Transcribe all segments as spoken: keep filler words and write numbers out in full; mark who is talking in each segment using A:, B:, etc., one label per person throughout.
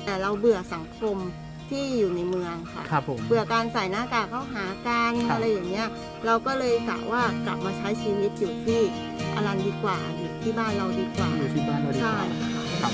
A: แต่เราเบื่อสังคมที่อยู่ในเมืองค่ะ
B: ครับผม
A: เบื่อการใส่หน้ากากเข้าหากันอะไรอย่างเงี้ยเราก็เลยกะว่ากลับมาใช้ชีวิตอยู่ที่อรันดีกว่าอยู่ที่บ้านเราดีกว่า
B: อยู่ที่บ้านเราดีกว่า
A: ใช่ค่ะ
B: ครับ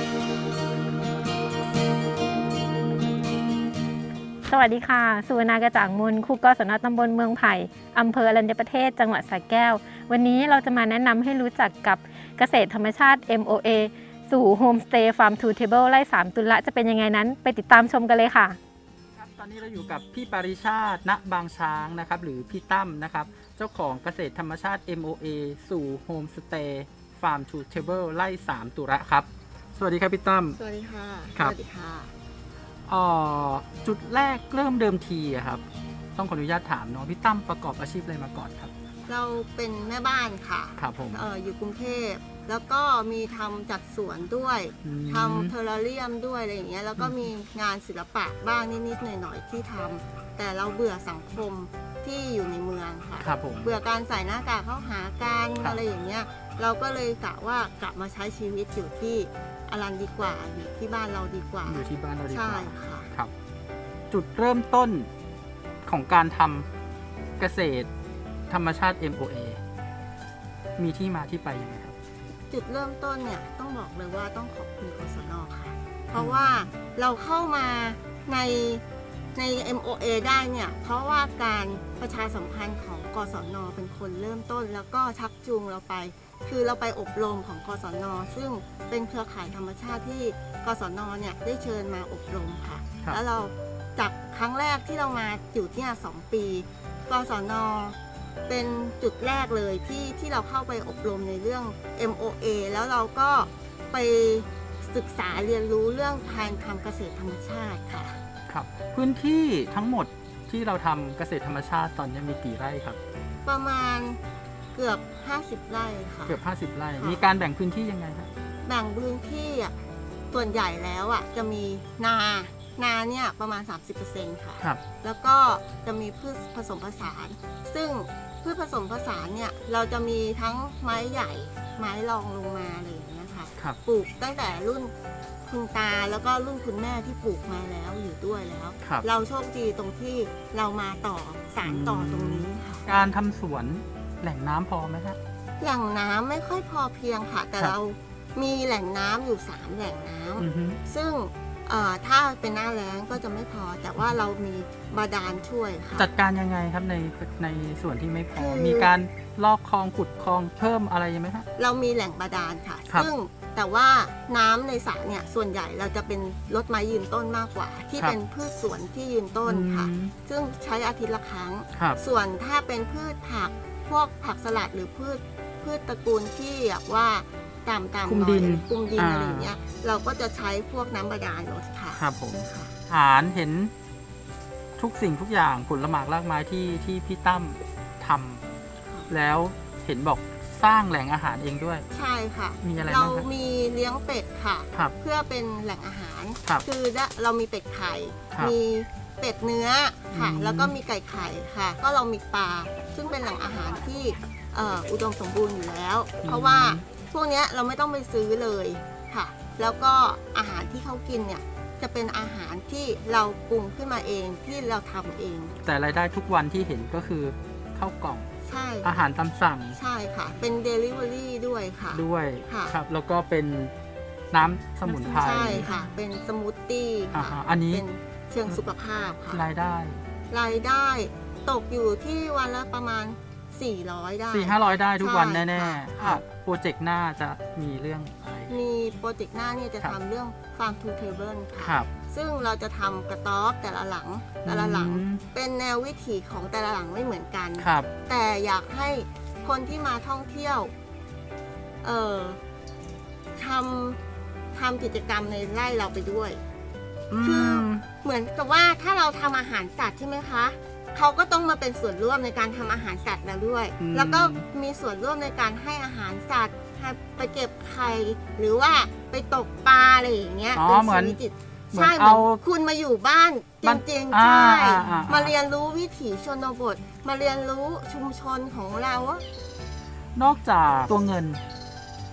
C: สวัสดีค่ะสุวรรณากระจ่างมนครูกศนตำบลเมืองไผ่อำเภออรัญญประเทศจังหวัดสระแก้ววันนี้เราจะมาแนะนำให้รู้จักกับเกษตรธรรมชาติ เอ็ม โอ เอ สู่โฮมสเตย์ฟาร์มทูเทเบิลไร่สามตุลละจะเป็นยังไงนั้นไปติดตามชมกันเลยค่ะ
B: ครับตอนนี้เราอยู่กับพี่ปริชาติณบางช้างนะครับหรือพี่ตั้มนะครับเจ้าของเกษตรธรรมชาติ เอ็ม โอ เอ สู่โฮมสเตย์ฟาร์มทูเทเบิลไร่สามตุลละครับสวัสดีครับพี่ตั้ม
A: สวัสดีค่ะ
B: ครับ
A: สวัสดีค่ะ
B: อ๋อจุดแรกเริ่มเดิมทีอะครับต้องขออนุญาตถามเนาะพี่ตั้มประกอบอาชีพอะไรมาก่อนครับ
A: เราเป็นแม่บ้านค่ะ
B: ครับผม
A: เอออยู่กรุงเทพแล้วก็มีทำจัดสวนด้วยทำเทอร์เรียมด้วยอะไรอย่างเงี้ยแล้วก็มีงานศิลปะบ้างนิดๆหน่อยๆที่ทำแต่เราเบื่อสังคมที่อยู่ในเมืองค่ะ
B: ครับผม
A: เบื่อการใส่หน้ากากเข้าหากันอะไรอย่างเงี้ยเราก็เลยกะว่ากลับมาใช้ชีวิตอยู่ที่อรันดีกว่าอยู่ที่บ้านเราดีกว่า
B: อยู่ที่บ้านเราดีกว่า
A: ใช่ค่ะ
B: ครับจุดเริ่มต้นของการทำเกษตรธรรมชาติ เอ็ม โอ เอ มีที่มาที่ไปยังไงครับ
A: จุดเริ่มต้นเนี่ยต้องบอกเลยว่าต้องขอบคุณกศน.ค่ะเพราะว่าเราเข้ามาในใน เอ็ม โอ เอ ได้เนี่ยเพราะว่าการประชาสัมพันธ์ของกศน.เป็นคนเริ่มต้นแล้วก็ชักจูงเราไปคือเราไปอบรมของกศน.ซึ่งเป็นเครือข่ายธรรมชาติที่กศน.เนี่ยได้เชิญมาอบรมค่ะแล้วเราจากครั้งแรกที่เรามาอยู่เนี่ยสองปีกศน.เป็นจุดแรกเลยที่ที่เราเข้าไปอบรมในเรื่อง เอ็ม โอ เอ แล้วเราก็ไปศึกษาเรียนรู้เรื่องการทำเกษตรธรรมชาติค่ะ
B: ครับพื้นที่ทั้งหมดที่เราทำเกษตรธรรมชาติตอนนี้มีกี่ไร่ครับ
A: ประมาณเกือบห้าสิบไร่ค่ะ
B: เกือบห้าสิบไร่มีการแบ่งพื้นที่ยังไงครับ
A: แบ่งพื้นที่ส่วนใหญ่แล้วอ่ะจะมีนานาเนี่ยประมาณ สามสิบเปอร์เซ็นต์ ค่ะ
B: ครับ
A: แล้วก็จะมีพืชผสมผสานซึ่งพืชผสมผสานเนี่ยเราจะมีทั้งไม้ใหญ่ไม้รองลงมาอะไรอย่างเงี้ยค่ะปลูกตั้งแต่รุ่นคุณตาแล้วก็รุ่นคุณแม่ที่ปลูกมาแล้วอยู่ด้วยแล้วเราโชคดีตรงที่เรามาต่อสานต่อตรงนี้ค่ะ
B: การทำสวนแหล่งน้ำพอไหมครับ
A: แหล่งน้ำไม่ค่อยพอเพียงค่ะแต่เรามีแหล่งน้ำอยู่สามแหล่งน้ำซึ่งถ้าเป็นหน้าแล้งก็จะไม่พอแต่ว่าเรามีบาดาลช่วยค่ะ
B: จัดการยังไงครับในในส่วนที่ไม่พอมีการลอกคลองขุดคลองเพิ่มอะไรไหมครับ
A: เรามีแหล่งบาดาลค่ะซึ่งแต่ว่าน้ำในสระเนี่ยส่วนใหญ่เราจะเป็นรดไม้ยืนต้นมากกว่าที่เป็นพืชสวนที่ยืนต้นค่ะซึ่งใช้อาทิตย์ละครั้งส่วนถ้าเป็นพืชผักพวกผักสลัดหรือพืชพืชตระกูลที่แบบว่าตามตาม
B: คุมดิน
A: คุมดินอะไรอย่างเงี้ยเราก็จะใช้พวกน้ำบาดาลลดค่ะ
B: ครับผมฐานเห็นทุกสิ่งทุกอย่างผลหมากรากไม้ที่ที่พี่ตั้มทำแล้วเห็นบอกสร้างแหล่งอาหารเองด้วย
A: ใช่ค่ะ
B: มีอะไร
A: เรามีเลี้ยงเป็ดค่ะเพื่อเป็นแหล่งอาหารคือเรามีเป็ดไข่มีเป็ดเนื้อค่ะแล้วก็มีไก่ไข่ค่ะก็เรามีปลาซึ่งเป็นแหล่งอาหารที่อุดมสมบูรณ์อยู่แล้วเพราะว่าพวกนี้เราไม่ต้องไปซื้อเลยค่ะแล้วก็อาหารที่เขากินเนี่ยจะเป็นอาหารที่เราปรุงขึ้นมาเองที่เราทำเอง
B: แต่รายได้ทุกวันที่เห็นก็คือข้าวกล่อง
A: ใช่
B: อาหารตามสั่ง
A: ใช่ค่ะเป็น Delivery ด้วยค่ะ
B: ด้วยครับแล้วก็เป็นน้ำสมุนไพร
A: ใช่ค่ะเป็นสมูทตี้ค่ะ
B: อันนี้
A: เป็นเชิงสุขภาพค่ะ
B: รายได้
A: รายได้ตกอยู่ที่วันละประมาณสี่ร้อยได้
B: สี่ห้าร้อยได้ทุกวันแน่ๆค่ะโปรเจกต์หน้าจะมีเรื่องอะไร
A: มีโปรเจกต์หน้าเนี่ยจะทำเรื่อง Farm to Table
B: ค่ะ
A: ซึ่งเราจะทำกระต๊อบแต่ละหลังแต่ละหลังเป็นแนววิถีของแต่ละหลังไม่เหมือนกันแต่อยากให้คนที่มาท่องเที่ยวเอ่อทำทำกิจกรรมในไร่เราไปด้วยคือเหมือนกับว่าถ้าเราทำอาหารสัตว์ใช่ไหมคะเขาก็ต้องมาเป็นส่วนร่วมในการทำอาหารสัตว์แล้วด้วยแล้วก็มีส่วนร่วมในการให้อาหารสัตว์ไปเก็บไข่หรือว่าไปตกปลาอะไรอย่างเงี้ย
B: เป็นชีวิตจิตใช่เหมือน
A: คุณมาอยู่บ้านจริงๆใช่มาเรียนรู้วิถีชนบทมาเรียนรู้ชุมชนของเรา
B: นอกจากตัวเงิน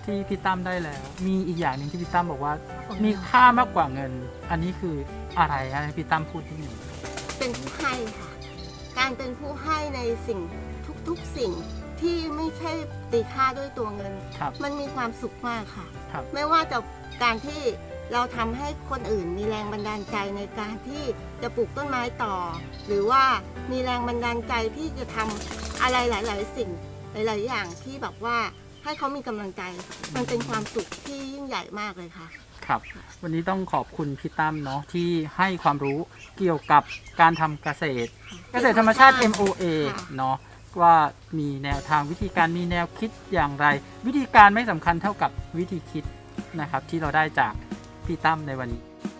B: ที่พี่ตั้มได้แล้ว มีอีกอย่างหนึ่งที่พี่ตั้มบอกว่ามีค่ามากกว่าเงิน อันนี้คืออะไรฮะให้พี่ตั้มพูดนิดหนึ่ง
A: เป็นผู้ให้ค่ะ การเป็นผู้ให้ในสิ่งทุกๆสิ่งที่ไม่ใช่ตีค่าด้วยตัวเงิน
B: ครับ
A: มันมีความสุขมากค่ะ
B: ครับ
A: ไม่ว่าจะการที่เราทำให้คนอื่นมีแรงบันดาลใจในการที่จะปลูกต้นไม้ต่อ หรือว่ามีแรงบันดาลใจที่จะทำอะไรหลาย ๆ สิ่งหลาย ๆ อย่างที่แบบว่าให้เขามีกำลังใจ มันเป็นความสุขที่ยิ่งใหญ่มากเลยค่ะ
B: ครับ วันนี้ต้องขอบคุณพี่ตั้มเนาะที่ให้ความรู้เกี่ยวกับการทำเกษตร เกษตรธรรมชาติ เอ็ม โอ เอ
A: ค่ะ
B: เนาะว่ามีแนวทางวิธีการมีแนวคิดอย่างไร วิธีการไม่สำคัญเท่ากับวิธีคิดนะครับที่เราได้จากพี่ตั้มในวันนี้